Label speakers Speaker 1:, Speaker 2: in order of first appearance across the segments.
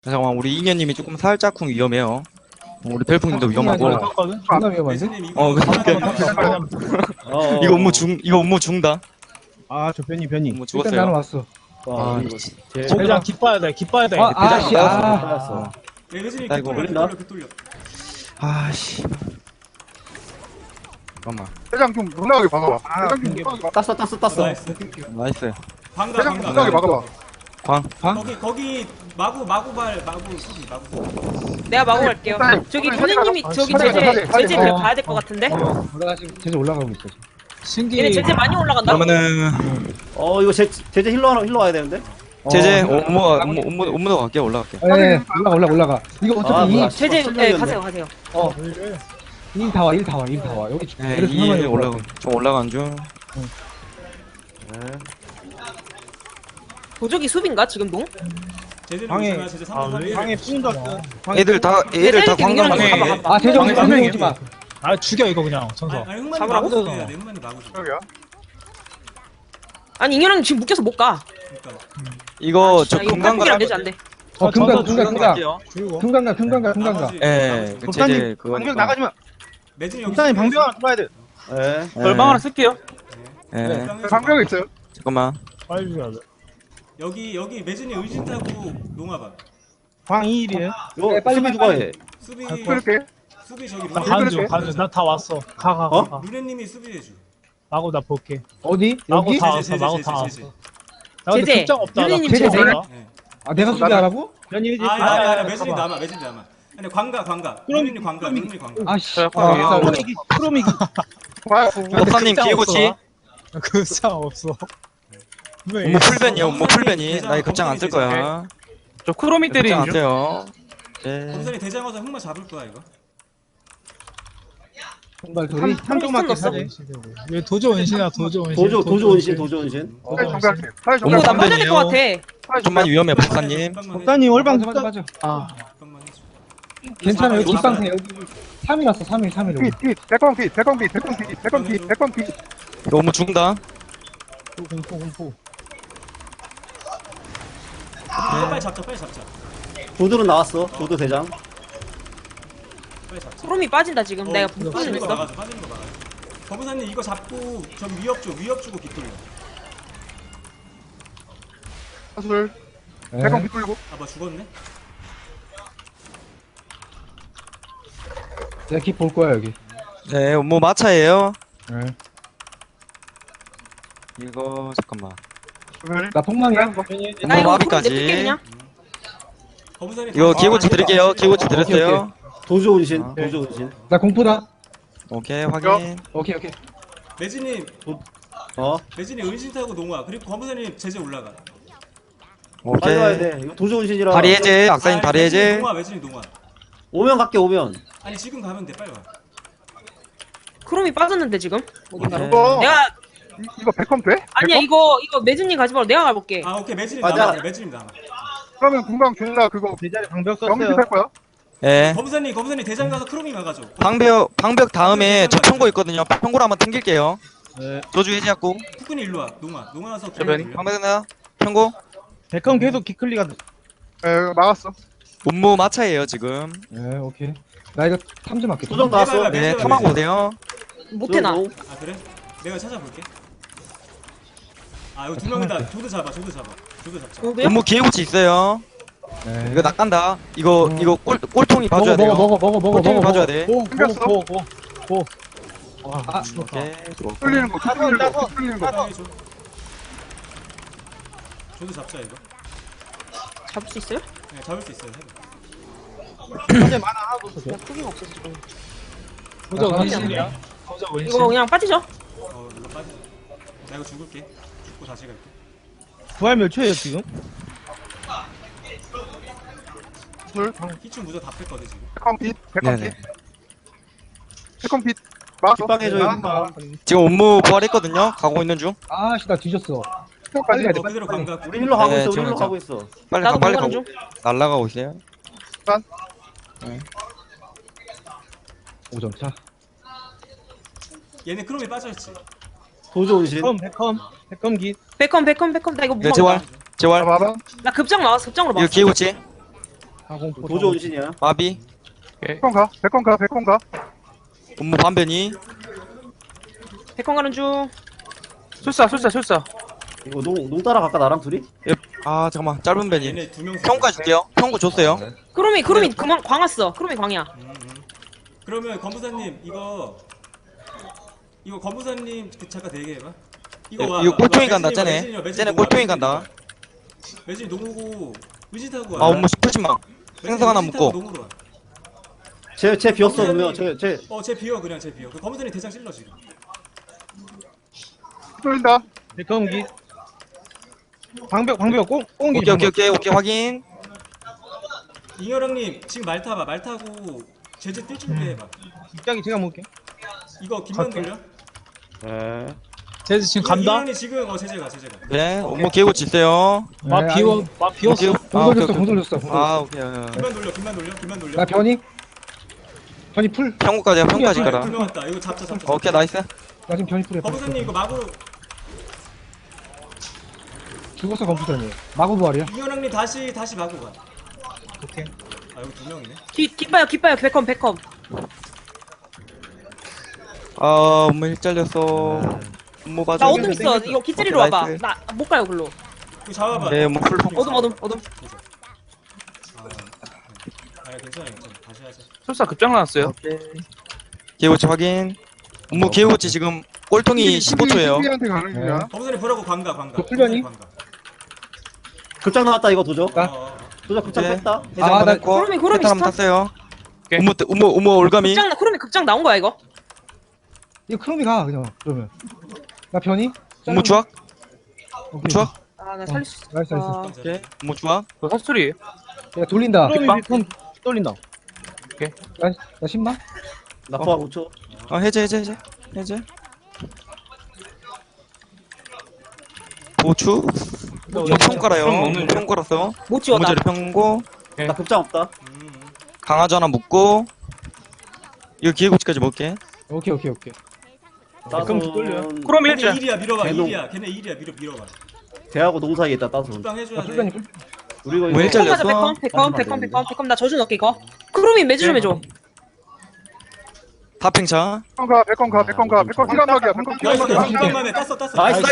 Speaker 1: 잠깐만 우리 이년님이 조금 살짝쿵 위험해요. 우리 벨풍님도 위험하고.
Speaker 2: 존나 위험한데?
Speaker 1: 그러니까 이거 업무 중다.
Speaker 3: 저 변이.
Speaker 1: 업무
Speaker 2: 일단 나는
Speaker 1: 죽었어요.
Speaker 2: 왔어.
Speaker 3: 대장 기뻐야 돼.
Speaker 2: 아씨
Speaker 1: 아이고.
Speaker 4: 뚫려.
Speaker 1: 아씨. 잠깐만.
Speaker 5: 대장 좀 놀라게 박아봐. 대장 좀 놀라게 박아.
Speaker 4: 땄어.
Speaker 1: 나이스.
Speaker 5: 대장 좀 놀라게 박아봐.
Speaker 1: 광.
Speaker 4: 거기 마구발 수비.
Speaker 6: 내가 마구 갈게요. 저기 교수님이 저기 제재 가야 될 것 같은데?
Speaker 2: 올라가 지금 제재 올라가고 있어.
Speaker 6: 얘네 제재 많이 올라간다.
Speaker 1: 그러면은
Speaker 7: 이거 제재 힐러 와야 되는데?
Speaker 1: 제재 업무도 갈게요. 올라갈게요.
Speaker 2: 예, 올라가. 이거 어차피
Speaker 7: 뭐야.
Speaker 6: 제재 네, 가세요.
Speaker 2: 일 다 와. 여기
Speaker 1: 네,
Speaker 2: 그래서
Speaker 1: 2에
Speaker 2: 하나만
Speaker 1: 올라가. 좀 올라간 중.
Speaker 6: 도적이 수비인가 지금도?
Speaker 4: 제재는 제재 3번
Speaker 3: 방에 뿜졌어.
Speaker 1: 애들 다 광장 방에.
Speaker 2: 아 제재 오지 마.
Speaker 3: 죽여 이거 그냥 전사.
Speaker 4: 흑만이
Speaker 6: 잡으라고?
Speaker 4: 마구 줘야 돼. 흑만이 마구 줘.
Speaker 5: 저기야.
Speaker 6: 아니 ing현은 지금 묶여서 못 가.
Speaker 4: 그러니까
Speaker 1: 이거 저
Speaker 6: 이거
Speaker 1: 금강
Speaker 6: 팔뚝이 안 되지 안 돼.
Speaker 2: 금강.
Speaker 3: 그리고
Speaker 2: 금강가.
Speaker 1: 예. 그 제재 그거니까.
Speaker 5: 나가지마.
Speaker 4: 매진이 여기
Speaker 3: 일단은 방벽 하나 들어야 돼.
Speaker 7: 예.
Speaker 1: 얼마 하나
Speaker 3: 쓸게요.
Speaker 1: 예.
Speaker 5: 방벽 있어요.
Speaker 1: 잠깐만.
Speaker 3: 빨리 줘야 돼.
Speaker 4: 여기 매진이 의진 타고 농아봐.
Speaker 3: 방 2일이에요.
Speaker 7: 이거 수비 누가 해?
Speaker 4: 수비
Speaker 5: 그렇게.
Speaker 4: 수비 저기
Speaker 3: 나 가는 나 다 왔어. 가.
Speaker 4: 루네님이 수비해줘.
Speaker 3: 마고 나 볼게.
Speaker 2: 어디?
Speaker 3: 마고
Speaker 2: 여기?
Speaker 3: 다 왔어.
Speaker 4: 제재,
Speaker 3: 마고
Speaker 4: 제재,
Speaker 3: 다
Speaker 4: 제재.
Speaker 3: 왔어. 나 근데
Speaker 6: 제재.
Speaker 3: 급장 없다. 나
Speaker 6: 유리님
Speaker 3: 급장
Speaker 2: 제재.
Speaker 3: 없다.
Speaker 2: 아 내가 수비하라고?
Speaker 3: 변이
Speaker 4: 아니 매진이 남아. 근데 광가. 루네님 광가.
Speaker 2: 아씨.
Speaker 3: 크롬이
Speaker 1: 법사님 기회고치.
Speaker 3: 급장 없어.
Speaker 1: 업무 풀변이요. 업무 풀변이. 나 이 급장 안 쓸 거야.
Speaker 3: 저 크롬이
Speaker 1: 급장 안 써요. 예.
Speaker 4: 검사님 대장 와서 흑만 잡을 거야 이거.
Speaker 2: 정말 둘이
Speaker 6: 한쪽만 넣었어.
Speaker 3: 얘 도저 원신이야. 도저 원신.
Speaker 7: 도저 원신.
Speaker 5: 사회 정비할게. 사회
Speaker 6: 이거
Speaker 5: 정비할게.
Speaker 6: 나 빠져야 될 것 같아.
Speaker 5: 사회
Speaker 1: 좀만 위험해 법사님.
Speaker 3: 법사님 월방
Speaker 2: 맞아.
Speaker 4: 잠깐만 해줘.
Speaker 2: 괜찮아 여기 뒷방세 여기 3일 왔어 3일.
Speaker 5: 핏. 백광 핏.
Speaker 1: 이거 업무 죽는다.
Speaker 3: 공포.
Speaker 4: 빨리 잡자.
Speaker 7: 조들은 나왔어. 조드 대장.
Speaker 4: 빨리 잡자.
Speaker 6: 소름이 빠진다 지금. 내가 묶고
Speaker 4: 빠지는 거
Speaker 6: 있어.
Speaker 4: 빠지는 거 막아. 검사님 이거 잡고 좀 위협 주고 빗돌려.
Speaker 5: 사술. 백광 핏 돌리고.
Speaker 4: 뭐 죽었네?
Speaker 2: 내가 킵볼 거야 여기.
Speaker 1: 네, 업무 마차예요.
Speaker 2: 네.
Speaker 1: 이거 잠깐만.
Speaker 2: 나 폭망이야.
Speaker 6: 나
Speaker 1: 업무
Speaker 6: 이거 소름 냅둘게
Speaker 1: 마비까지.
Speaker 6: 그냥.
Speaker 4: 검사님
Speaker 1: 이거 기고치 드릴게요. 기고치 드렸어요.
Speaker 7: 도저 원신. 도저 원신.
Speaker 2: 나 공포다.
Speaker 1: 오케이 확인.
Speaker 2: 오케이.
Speaker 4: 매진님
Speaker 7: 어?
Speaker 4: 매진이 은신 타고 농아 그리고 검사님 제재 올라가.
Speaker 7: 빨리 와야
Speaker 1: 오케이.
Speaker 7: 돼. 이거 도저 원신이라.
Speaker 1: 다리 해제. 악사님 다리 해제.
Speaker 4: 매진이 농아.
Speaker 7: 오면 갈게 오면.
Speaker 4: 아니 지금 가면 돼 빨리 와.
Speaker 6: 크롬이 빠졌는데 지금. 어딘가로.
Speaker 5: 이거
Speaker 6: 내가
Speaker 5: 이거 백컴 돼?
Speaker 6: 아니야 이거 매진님 가지 말고 내가 가볼게.
Speaker 4: 아 오케이 매진이
Speaker 7: 맞아.
Speaker 4: 남아. 매진이 남아.
Speaker 5: 그러면 금방 존나 그거
Speaker 3: 제자리 방벽
Speaker 5: 정비
Speaker 3: 썼어요.
Speaker 5: 할 거야?
Speaker 1: 예.
Speaker 4: 검사님 대장 가서 크롬이 막아줘.
Speaker 1: 방벽 다음에 저 평고 있거든요. 평고로 한번 튕길게요.
Speaker 3: 네.
Speaker 1: 조주 해제하고.
Speaker 4: 푸근이 일로 와. 농아 와서
Speaker 1: 방벽나 평고.
Speaker 3: 백컴 계속 기클리가
Speaker 5: 막았어.
Speaker 1: 업무 마차예요 지금.
Speaker 2: 네 오케이. 나 이거 탐지 맞게.
Speaker 7: 도적 나왔어.
Speaker 1: 네, 탐하고 오세요.
Speaker 6: 못해 나.
Speaker 4: 아 그래? 내가 찾아볼게. 아 이거 두 명이다. 조드 잡자. 조드 잡자.
Speaker 6: 저도요?
Speaker 1: 업무 기회고치 있어요.
Speaker 2: 네.
Speaker 1: 이거 낚간다. 이거 꼴통이 봐줘야 돼요.
Speaker 2: 먹어.
Speaker 1: 꼴통이 봐줘야 돼.
Speaker 5: 생겼어?
Speaker 2: 아,
Speaker 1: 오케이.
Speaker 5: 뚫리는 거. 뚫리는 거.
Speaker 4: 빨리 줘. 조드 잡자 이거.
Speaker 6: 잡을 수 있어요?
Speaker 4: 네 잡을 수 있어요.
Speaker 6: 야 크기가 없어서 지금.
Speaker 3: 도저
Speaker 2: 아,
Speaker 3: 원신이야. 도저 원신.
Speaker 6: 이거 그냥 빠지죠?
Speaker 4: 이거 빠져. 나 이거 죽을게. 죽고 다시 갈게.
Speaker 3: 부활 몇 초예요 지금?
Speaker 5: 사술.
Speaker 4: 희충 무적 다 뺐거든 지금.
Speaker 5: 백컴 핏.
Speaker 1: 네네.
Speaker 5: 백컴 핏. 막았어.
Speaker 7: 빗방해줘요.
Speaker 1: 지금 업무 부활했거든요. 가고 있는 중.
Speaker 2: 아씨 나 뒤졌어.
Speaker 5: 까지
Speaker 4: 너 그대로 감가.
Speaker 7: 우리 힐러 가고
Speaker 1: 네,
Speaker 7: 있어. 우리
Speaker 1: 지금
Speaker 7: 힐러 가고 있어.
Speaker 1: 빨리
Speaker 6: 나도
Speaker 1: 빨리
Speaker 6: 먹는
Speaker 1: 가고.
Speaker 6: 중.
Speaker 1: 날라가고 있어요.
Speaker 2: 5점 차.
Speaker 4: 얘네 크롬이 빠져있지.
Speaker 7: 도저 원신.
Speaker 3: 백컴 기.
Speaker 6: 백컴 나 이거 못
Speaker 1: 이거 재활.
Speaker 6: 막아.
Speaker 1: 재활.
Speaker 5: 봐봐.
Speaker 6: 나 급장 나왔어. 급장으로
Speaker 1: 이거
Speaker 6: 막았어.
Speaker 1: 기회고치.
Speaker 3: 가공포.
Speaker 7: 도저 운신이야.
Speaker 1: 마비.
Speaker 5: 백건 가. 백건 가. 백건 가.
Speaker 1: 음모 반변이.
Speaker 6: 백건 가는 중.
Speaker 3: 술사.
Speaker 7: 이거 농 따라갈까 나랑 둘이?
Speaker 1: 아 잠깐만 짧은 변이.
Speaker 4: 얘네 두명
Speaker 1: 평가 줄게요. 평구 줬어요.
Speaker 6: 크롬이 그만 광왔어. 크롬이 광이야.
Speaker 4: 그러면 검부사님 이거 검부사님 잠깐 대기해봐.
Speaker 1: 이거 꼴통이 간다 쟤네 꼴통이 간다.
Speaker 4: 매진이 농구고 의지타고
Speaker 1: 아 음모 10%만. 생선 하나 묶고.
Speaker 4: 농구로 와.
Speaker 7: 쟤 비었어 그러면 쟤
Speaker 4: 쟤 비워 그냥 쟤 비워. 그 검부사님 대장 찔러 지금.
Speaker 5: 뚫린다.
Speaker 3: 백검기. 방벽 꽁기.
Speaker 1: 오케이 확인.
Speaker 4: 잉여랑님 지금 말 타봐. 말 타고 제재 뛸 준비해봐.
Speaker 3: 입장이 제가 먹을게.
Speaker 4: 이거 김만 돌려.
Speaker 7: 네.
Speaker 3: 제즈 지금
Speaker 4: 잉여랑님 지금 제재가.
Speaker 1: 네 음모 개고치 있어요.
Speaker 2: 비웠어. 공 돌렸어.
Speaker 1: 아 오케이.
Speaker 4: 김만 돌려.
Speaker 2: 나 변이 풀.
Speaker 1: 평구까지야 평구까지 가라.
Speaker 4: 두명 왔다. 이거 잡자.
Speaker 1: 오케이 나이스.
Speaker 2: 나 지금 변이 풀이야.
Speaker 4: 검부사님 이거 마구
Speaker 2: 죽었어 컴퓨터니. 마구 부활이야.
Speaker 4: 잉여랑님 다시 마구 가.
Speaker 3: 오케이.
Speaker 4: 아 이거 두 명이네.
Speaker 6: 깃봐요. 백컴.
Speaker 1: 아 음모 힐 잘렸어. 음모 봐줘.
Speaker 6: 나 어둠 있어. 이거 기짜리로
Speaker 1: 오케이,
Speaker 6: 와봐.
Speaker 1: 나이스.
Speaker 6: 나 못 가요 글로.
Speaker 4: 이거 잡아봐.
Speaker 1: 네 음모 풀 평.
Speaker 6: 어둠.
Speaker 4: 아 괜찮아. 다시 하자.
Speaker 3: 술사 급장 나왔어요.
Speaker 1: 개고치 확인. 음모 개고치 지금 꼴통이 15초예요.
Speaker 5: 수비한테 가는 중이야.
Speaker 4: 검부사님 보라고 광가.
Speaker 2: 그 풀려니?
Speaker 7: 급장 나왔다 이거 도저.
Speaker 4: 어.
Speaker 7: 도저 급장
Speaker 1: 네.
Speaker 7: 뺐다.
Speaker 1: 해장
Speaker 2: 아, 나
Speaker 1: 받았고.
Speaker 6: 크롬이
Speaker 1: 패턴 한번
Speaker 6: 스탑.
Speaker 1: 탔어요.
Speaker 3: 오케이.
Speaker 1: 음모 올가미.
Speaker 6: 크롬이 급장 나온 거야 이거.
Speaker 2: 이거 크롬이 가 그냥 그러면. 나 변이.
Speaker 1: 음모 주악.
Speaker 2: 오케이.
Speaker 1: 주악.
Speaker 6: 아 나 살릴 수 있어.
Speaker 2: 나이스.
Speaker 1: 오케이. 음모 주악.
Speaker 3: 그거 사투리예요.
Speaker 2: 야 돌린다.
Speaker 3: 크롬이 떨린다.
Speaker 2: 나 10만?
Speaker 7: 나 포함 5초.
Speaker 1: 해제. 보추. 평가라요. 평가라서.
Speaker 6: 못 지웠다.
Speaker 1: 음모자리 평고.
Speaker 7: 나 급장 없다.
Speaker 1: 강아지 하나 묶고. 이거 기회고치까지 먹게.
Speaker 2: 오케이.
Speaker 3: 그럼 돌려요.
Speaker 7: 따손
Speaker 3: 크롬이
Speaker 4: 걔네
Speaker 3: 일자.
Speaker 4: 일이야 밀어봐.
Speaker 7: 걔도-
Speaker 4: 일이야. 걔네 일이야 밀어봐.
Speaker 7: 대하고 농 사이에 있다 따손.
Speaker 4: 금방 해줘야 돼.
Speaker 2: 풀변이
Speaker 7: 우리 이거
Speaker 1: 왜
Speaker 7: 이거
Speaker 1: 잘렸어?
Speaker 6: 백컴 나 저주 넣게 이거. 크롬이 매주 좀 해줘.
Speaker 1: 다팽차.
Speaker 5: 백건 가. 백건 가. 백건 가. 백건 시간막이야. 백건
Speaker 4: 나이스.
Speaker 5: 시간막이야.
Speaker 4: 금방만에 땄어.
Speaker 7: 나이스.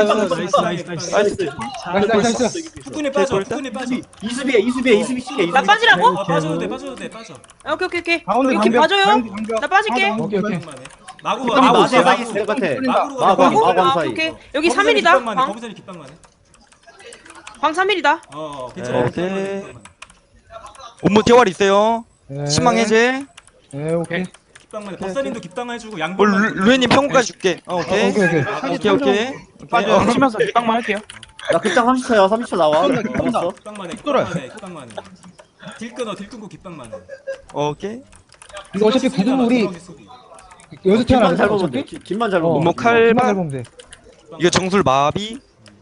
Speaker 2: 나이스.
Speaker 4: 후끈이 빠져. 후끈이 빠져.
Speaker 7: 이수비에 시켜.
Speaker 6: 나 빠지라고?
Speaker 4: 아 빠져도 돼. 빠져.
Speaker 6: 오케이.
Speaker 3: 가운데
Speaker 6: 이렇게
Speaker 3: 방벽,
Speaker 6: 봐줘요.
Speaker 3: 방벽.
Speaker 6: 나 빠질게.
Speaker 2: 오케이.
Speaker 4: 금방만에. 마구
Speaker 7: 마구
Speaker 4: 마구
Speaker 7: 마구
Speaker 4: 마구.
Speaker 7: 사이 같아.
Speaker 4: 마구로
Speaker 7: 마구
Speaker 4: 가.
Speaker 7: 마구 사이.
Speaker 6: 오케이. 여기 3일이다. 광
Speaker 4: 검부사님 깃방만에.
Speaker 6: 3일이다.
Speaker 4: 괜찮아.
Speaker 1: 오케이. 음모 대활 있어요.
Speaker 2: 네.
Speaker 1: 신망 해제.
Speaker 2: 네, 오케이.
Speaker 4: 깃방만에. 법사님도 깃방 해주고
Speaker 1: 어,
Speaker 4: 양보만.
Speaker 1: 루에님 평가까지 줄게. 오케이. 오케이.
Speaker 3: 빠져. 치면서 기빵만 할게요.
Speaker 7: 나 급장 30초야. 30초 나와. 남았어.
Speaker 4: 깃방만에. 깃방만에. 딜 끊고 깃방만에.
Speaker 1: 오케이.
Speaker 2: 이거 어차피 구금 우리 여기서 태어나는
Speaker 7: 김만 잘
Speaker 2: 거야,
Speaker 7: 보면 돼.
Speaker 2: 어차피?
Speaker 7: 김만 잘 보면
Speaker 1: 음모
Speaker 7: 돼.
Speaker 1: 칼.
Speaker 2: 김만 잘 보면 돼.
Speaker 1: 이거 정술 마비.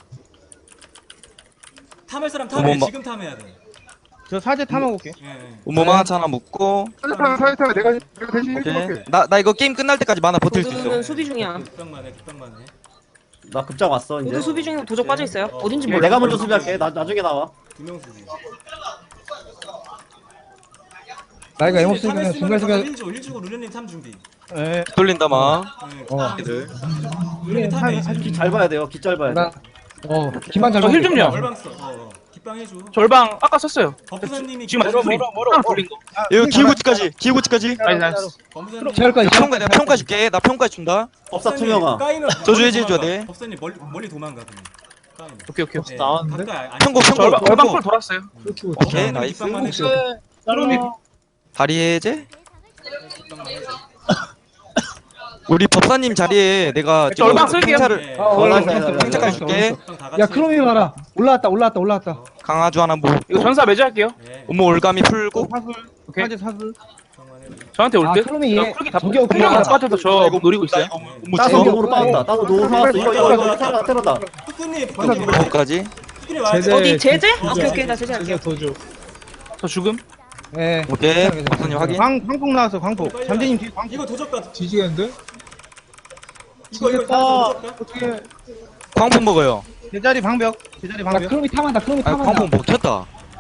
Speaker 4: 탐할 사람 탐해.
Speaker 1: 어머,
Speaker 4: 지금 탐해야 돼.
Speaker 3: 저 사제 탐하고 올게.
Speaker 4: 예.
Speaker 1: 음모 만화차 하나 묶고.
Speaker 5: 사이타면 내가 대신
Speaker 1: 오케이.
Speaker 5: 해줄게.
Speaker 1: 나 이거 게임 끝날 때까지 만화 버틸 수 있어.
Speaker 6: 모두는 수비 중이야.
Speaker 4: 깃방만에.
Speaker 7: 나 급장 왔어 이제.
Speaker 6: 모두 수비 중이고 도적 빠져 있어요. 어딘지 몰라.
Speaker 7: 내가 먼저 수비할게. 나 나중에 나와.
Speaker 4: 두명 수비.
Speaker 2: 나 이거 에모스 그냥 중간 수비.
Speaker 4: 1 주고 루레님 탐 준비.
Speaker 3: 예.
Speaker 1: 돌린다 막.
Speaker 4: 루레님 탐해.
Speaker 7: 잘 봐야 돼요. 기 잘 봐야 돼.
Speaker 2: 나 김만 잘
Speaker 3: 저 힐
Speaker 2: 보면 돼.
Speaker 3: 좀요.
Speaker 4: 얼방 써. 깃방 해줘.
Speaker 3: 절방 아까 썼어요.
Speaker 4: 법사님이
Speaker 3: 지금 스크린 하나 돌린 거.
Speaker 1: 이거 기회고치까지.
Speaker 3: 나이스.
Speaker 4: 검사님.
Speaker 2: 제할까지.
Speaker 1: 내가 평가 줄게. 나 평가 준다.
Speaker 7: 법사 투명아.
Speaker 4: 까이는
Speaker 1: 저주 해줘야 돼.
Speaker 4: 법사님 멀리 도망가 그냥. 까이는.
Speaker 3: 오케이.
Speaker 4: 네,
Speaker 3: 나왔는데?
Speaker 4: 가까이 안-
Speaker 1: 평고
Speaker 3: 절방 콜 돌았어요.
Speaker 1: 오케이 나이스.
Speaker 4: 깃방만 해줘.
Speaker 1: 다리 해제. 우리 법사님 자리에 내가 지금
Speaker 3: 얼방 쓸게요.
Speaker 1: 팽차를
Speaker 4: 네.
Speaker 1: 팽차까지 줄게.
Speaker 4: 다 같이.
Speaker 2: 야 크롬이 봐라. 올라왔다.
Speaker 1: 강아주 하나 뭐.
Speaker 3: 이거 전사 매주할게요.
Speaker 4: 네,
Speaker 1: 음모 올가미 풀고.
Speaker 3: 오케이.
Speaker 4: 깃방만 해줘.
Speaker 3: 저한테 올 듯.
Speaker 2: 크롬이 얘
Speaker 3: 풀기 다
Speaker 2: 저기 오케이.
Speaker 3: 풀려가 빠져서 저 노리고 있어요.
Speaker 1: 음모
Speaker 7: 따서
Speaker 1: 주워.
Speaker 7: 노으로 빠졌다. 따서 노으로 사왔어. 이거 테러다.
Speaker 4: 후끈이
Speaker 1: 음모까지.
Speaker 4: 후끈이 와야 돼.
Speaker 6: 어디 제재? 오케이. 나 제재할게.
Speaker 3: 저 죽음.
Speaker 2: 예.
Speaker 1: 오케이. 법사님 확인.
Speaker 3: 광폭 나왔어. 광폭. 잠재님 뒤 광폭.
Speaker 4: 이거 도적가.
Speaker 2: 뒤지겠는데?
Speaker 4: 이거 도적가.
Speaker 2: 어떻게?
Speaker 1: 광풍 먹어요.
Speaker 3: 제자리 방벽. 제자리
Speaker 2: 나
Speaker 3: 방벽.
Speaker 2: 크롬이 탐한다.
Speaker 1: 아 광풍 먹혔다.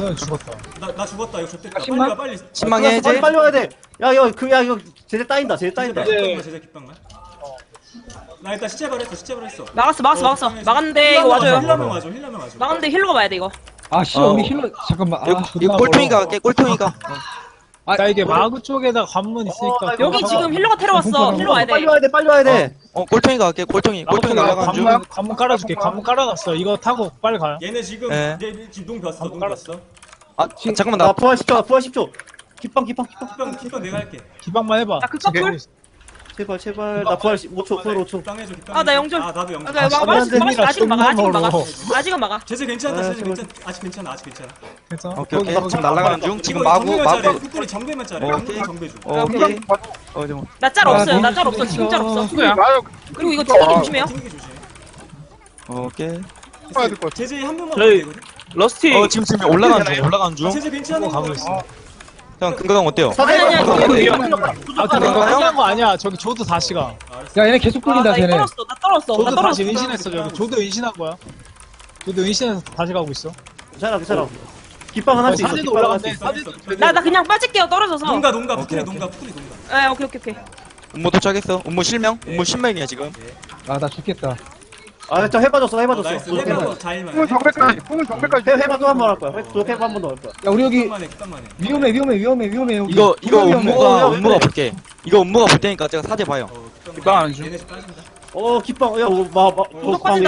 Speaker 8: 그냥 죽었다.
Speaker 4: 나 죽었다. 이거 좋겠다. 빨리
Speaker 2: 10만?
Speaker 4: 와 빨리.
Speaker 1: 10망
Speaker 7: 빨리
Speaker 1: 해제.
Speaker 7: 빨리 와야 돼. 야 이거 제재 따인다. 제재 따인다.
Speaker 4: 깃방만 제자 깃방만. 나 일단 시체 발했어.
Speaker 6: 막았어. 막았는데 이거 와줘요.
Speaker 4: 힐러만 와줘.
Speaker 6: 막았는데 힐러가 와야 돼 이거.
Speaker 2: 아 씨,
Speaker 1: 어.
Speaker 2: 우리 힐러 잠깐만.
Speaker 1: 이거
Speaker 2: 아,
Speaker 1: 이거 꼴통이가 갈게. 꼴통이가.
Speaker 8: 나 이게 마구 쪽에다 관문 있으니까.
Speaker 6: 여기 지금 힐러가 테러왔어. 힐러 와야 돼.
Speaker 7: 빨리 와야 돼.
Speaker 1: 꼴통이가 갈게. 꼴통이 날아가는 중.
Speaker 8: 관문 깔아줄게. 관문 깔아놨어. 이거 타고 빨리 가요.
Speaker 4: 얘네 지금
Speaker 1: 예.
Speaker 4: 지금 농 벼었어.
Speaker 1: 아 잠깐만
Speaker 7: 나
Speaker 1: 나
Speaker 7: 부활 10초. 깃방.
Speaker 4: 깃방 내가 할게.
Speaker 8: 기방만 해봐.
Speaker 6: 나 극사풀.
Speaker 7: 제발. 나 부활 5초. 부활 5초.
Speaker 4: 깃방 해줘. 깃방.
Speaker 6: 아, 나 영절.
Speaker 4: 아 나도 영절.
Speaker 6: 아직은 막아. 아직은 막아.
Speaker 4: 제재 괜찮다. 아직 괜찮아.
Speaker 8: 괜찮아?
Speaker 1: 오케이. 지금 날아가는 중. 지금 마구.
Speaker 4: 뚜꾸리 정배만 짜래.
Speaker 1: 오케이.
Speaker 4: 정배 줘.
Speaker 1: 오케이. 좀.
Speaker 6: 나 짤 없어요. 나 짤 없어. 지금 짤 없어.
Speaker 5: 나요.
Speaker 6: 그리고 이거 튕기기 조심해요.
Speaker 4: 튕기기 조심.
Speaker 1: 오케이.
Speaker 5: 봐야 될것 같아.
Speaker 4: 제재 한 명만
Speaker 3: 저희-
Speaker 4: 되거든.
Speaker 3: 러스티.
Speaker 1: 지금 올라가는 중.
Speaker 4: 제재 괜찮은 거
Speaker 8: 가고 있어.
Speaker 1: 형 근거강 어때요?
Speaker 6: 아니.
Speaker 8: 아 근데
Speaker 1: 그런가요?
Speaker 8: 끝난 거 아니야. 저기 조드 다시 가.
Speaker 2: 야 얘네 계속
Speaker 6: 아,
Speaker 2: 끌린다
Speaker 6: 나 이거
Speaker 2: 쟤네.
Speaker 6: 떨었어.
Speaker 8: 조드 다시 은신했어. 저기 조드 은신한 거야. 조드 은신해서 다시 가고 있어.
Speaker 7: 괜찮아. 깃방 하나씩 있어.
Speaker 8: 사진도
Speaker 7: 깃방
Speaker 8: 올라갔네.
Speaker 7: 하나씩 있어.
Speaker 8: 사진도
Speaker 6: 나 그냥 빠질게요. 떨어져서.
Speaker 4: 농가
Speaker 1: 오케이,
Speaker 4: 푸꾸리 농가.
Speaker 6: 예, 오케이.
Speaker 1: 음모 도착했어. 음모 실명. 음모 신명이야 지금.
Speaker 2: 아 나 죽겠다.
Speaker 7: 저 해봐줬어.
Speaker 4: 나이스. 해봐도 자일만.
Speaker 5: 풍은 정배까지.
Speaker 7: 해봐도 한 번 할 거야. 해봐 한 번 더 할 거야.
Speaker 2: 야 우리 여기
Speaker 4: 깃방만 해.
Speaker 2: 위험해 여기.
Speaker 1: 이거
Speaker 2: 위험해.
Speaker 1: 음모가 볼게. 이거 음모가 볼 테니까 제가 사제 봐요.
Speaker 3: 깃방 안 줘.
Speaker 4: 얘네 집 빠진다.
Speaker 7: 깃방.
Speaker 6: 빠진다.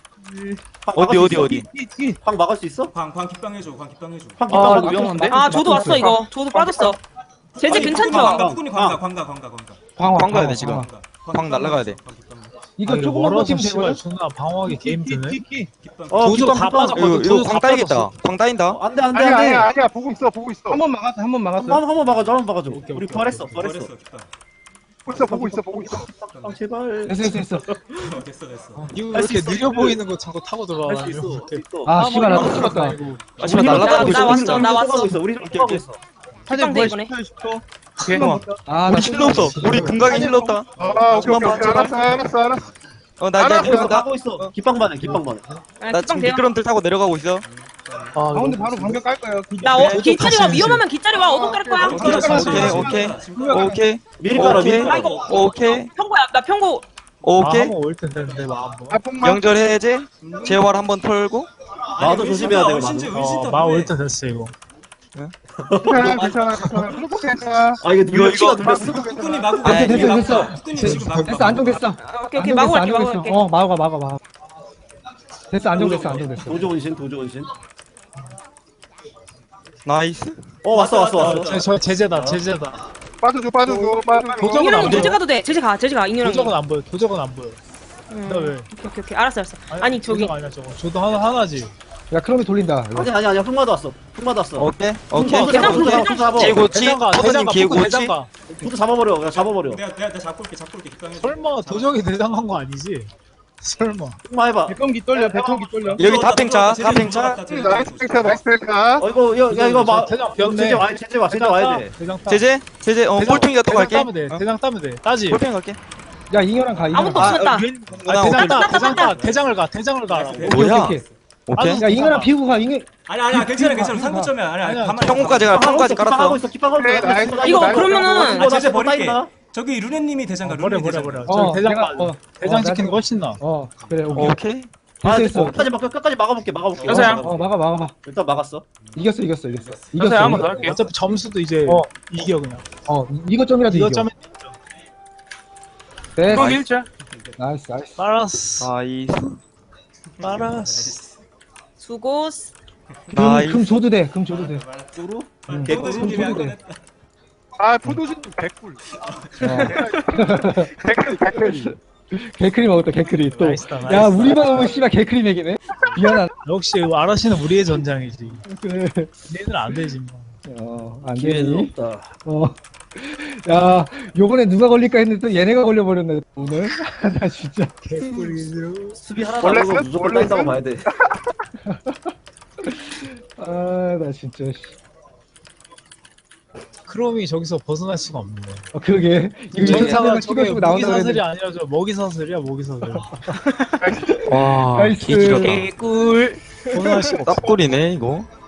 Speaker 1: 어디?
Speaker 7: 방 막을 수 있어?
Speaker 4: 광 깃방 해줘.
Speaker 7: 방
Speaker 3: 아,
Speaker 7: 깃방
Speaker 3: 위험한데?
Speaker 6: 아, 조도 왔어 이거. 조도 빠졌어. 제재 괜찮죠?
Speaker 4: 뚜꾸리 광가.
Speaker 1: 광 가야 돼 지금. 광 날라가야 돼.
Speaker 2: 이거 조금만
Speaker 8: 멀어서
Speaker 2: 버티면
Speaker 8: 씨발
Speaker 2: 되거든.
Speaker 8: 존나 방어하게 게임 드네.
Speaker 4: 깃방.
Speaker 8: 조조 다 빠졌거든.
Speaker 1: 이거
Speaker 8: 조조
Speaker 1: 광
Speaker 8: 다
Speaker 1: 따이겠다.
Speaker 8: 빠졌어.
Speaker 1: 광 따인다.
Speaker 7: 안돼.
Speaker 5: 아니야. 보고 있어.
Speaker 2: 한 번 막았어.
Speaker 7: 한번 막아줘. 우리 부활했어.
Speaker 4: 깃방.
Speaker 5: 보고 있어.
Speaker 7: 제발.
Speaker 2: 됐어.
Speaker 4: 됐어.
Speaker 8: 이거 왜
Speaker 7: 할수
Speaker 8: 이렇게
Speaker 7: 있어.
Speaker 8: 느려 보이는 거 자꾸 타고 들어와.
Speaker 7: 할 수 있어.
Speaker 2: 아 씨발 나또 죽었다.
Speaker 1: 아 씨발 날라가고
Speaker 6: 나 왔어. 나 왔어.
Speaker 7: 우리 또 가고 있어.
Speaker 6: 깃방 돼 이번에.
Speaker 1: 오케이.
Speaker 2: 아나
Speaker 1: 힐러 없어. 우리 금강이 힐러 없다.
Speaker 5: 오케이. 알았어.
Speaker 1: 나
Speaker 5: 알았어.
Speaker 1: 내려간다.
Speaker 7: 가고 있어. 깃방 반응.
Speaker 1: 나 지금 미끄럼틀 타고 내려가고 있어.
Speaker 2: 가운데 바로 방벽 깔 거예요.
Speaker 6: 깃자리 와. 위험하면 깃자리 와. 어둠 깔 거야.
Speaker 1: 오케이.
Speaker 7: 미리 깔아.
Speaker 1: 오케이.
Speaker 6: 평고야. 나 평고.
Speaker 1: 오케이.
Speaker 8: 한번 올 텐데 내 마음.
Speaker 1: 명절 해제. 재활 한번 털고.
Speaker 7: 나도 조심해야 돼.
Speaker 8: 마올 때 됐어 이거.
Speaker 5: 괜찮아.
Speaker 7: 이거 키가 눌렸어.
Speaker 4: 뚜꾸니 마구.
Speaker 1: 아,
Speaker 2: 됐어.
Speaker 4: 뚜꾸니 지금 마구.
Speaker 2: 됐어 안정됐어.
Speaker 6: 오케이. 마구 갈게.
Speaker 2: 막아. 됐어 안정됐어.
Speaker 7: 도저 원신.
Speaker 1: 나이스.
Speaker 7: 왔어.
Speaker 8: 저 제재다.
Speaker 5: 빠져줘.
Speaker 8: 도적은
Speaker 6: 인연이
Speaker 8: 안
Speaker 6: 제재
Speaker 8: 보여.
Speaker 6: 가도 돼. 제재 가. 인연이.
Speaker 8: 도적은 안 보여. 나 왜?
Speaker 6: 오케이. 알았어. 아니 저기.
Speaker 8: 도적 아니야 저거. 저도 하나지.
Speaker 2: 야 크롬이 돌린다.
Speaker 7: 아니야. 흑마도 왔어.
Speaker 1: 오케이.
Speaker 6: 대장
Speaker 1: 기회고치. 허선님 기회고치.
Speaker 8: 대장가.
Speaker 7: 도저 잡아버려. 그냥 잡아버려.
Speaker 4: 내가 잡고 올게. 깃방 해줘.
Speaker 8: 설마 도적이 대장한 거 아니지? 설마.
Speaker 7: 흑마 해봐.
Speaker 2: 배통기 떨려.
Speaker 1: 여기 다팽차.
Speaker 5: 나이스 탱카.
Speaker 7: 이거
Speaker 8: 대장 비었네.
Speaker 7: 제재 와야 돼.
Speaker 8: 대장 따.
Speaker 1: 제재. 꼴통이가 또 갈게.
Speaker 8: 대장 따면 돼. 따지.
Speaker 1: 꼴통이 갈게.
Speaker 2: 야 잉여랑 가.
Speaker 6: 아무도 없었다.
Speaker 8: 대장 따. 대장을 가.
Speaker 1: 뭐야? 오케이.
Speaker 2: 야 잉여랑 비우고 가.
Speaker 4: 아니야. 괜찮아. 상구점이야. 아니야. 가만히.
Speaker 1: 평고까지 가. 평고까지 깔았어.
Speaker 6: 이거 그러면은
Speaker 4: 제재 버릴게. 저기 루네님이 대장가.
Speaker 8: 버려.
Speaker 2: 어,
Speaker 8: 저 대장
Speaker 2: 내가-
Speaker 8: 빠. 대장 지키는 거 훨씬 나.
Speaker 2: 그래 오케이.
Speaker 1: 오케이.
Speaker 2: 됐어.
Speaker 7: 끝까지 막아볼게.
Speaker 3: 여보세요?
Speaker 2: 막아.
Speaker 7: 일단 막았어.
Speaker 2: 이겼어.
Speaker 3: 여보세요? 한번 더 할게요.
Speaker 8: 어차피 점수도 이제
Speaker 2: 어.
Speaker 8: 이겨 그냥.
Speaker 2: 이거 점이라도 이겨.
Speaker 8: 이거 점에
Speaker 2: 됐어.
Speaker 3: 깃방 일자.
Speaker 2: 나이스.
Speaker 8: 빨았어.
Speaker 1: 나이스.
Speaker 6: 수고스.
Speaker 2: 금 줘도 돼.
Speaker 7: 쭈루?
Speaker 2: 돼.
Speaker 5: 포도진 100불.
Speaker 2: 개크림 먹었다. 개크림 또.
Speaker 8: 나이스다.
Speaker 2: 야 우리만 오면 씨발 개크림 얘기네. 미안하다.
Speaker 8: 역시 아라시는 우리의 전장이지.
Speaker 2: 그래.
Speaker 8: 얘는 안 되지 뭐.
Speaker 2: 안
Speaker 7: 기회는
Speaker 2: 되니?
Speaker 7: 없다.
Speaker 2: 야 요번에 누가 걸릴까 했는데 또 얘네가 걸려버렸네 오늘. 나 진짜.
Speaker 8: 개꿀이죠.
Speaker 7: 수비 하나도 안 하고 무조건 따인다고 봐야 돼.
Speaker 2: 나 진짜.
Speaker 8: 크롬이 저기서 벗어날 수가 없네.
Speaker 2: 그러게. 이거
Speaker 8: 전사가 저게
Speaker 2: 찍어주고 나온다
Speaker 8: 모기사슬이
Speaker 2: 그랬는데.
Speaker 8: 아니라 저 먹이사슬이야 먹이사슬.
Speaker 1: 와.
Speaker 2: 나이스.
Speaker 1: 개지렸다.
Speaker 6: 개꿀.
Speaker 8: 벗어날 수가 없어.
Speaker 1: 쌉골이네 이거.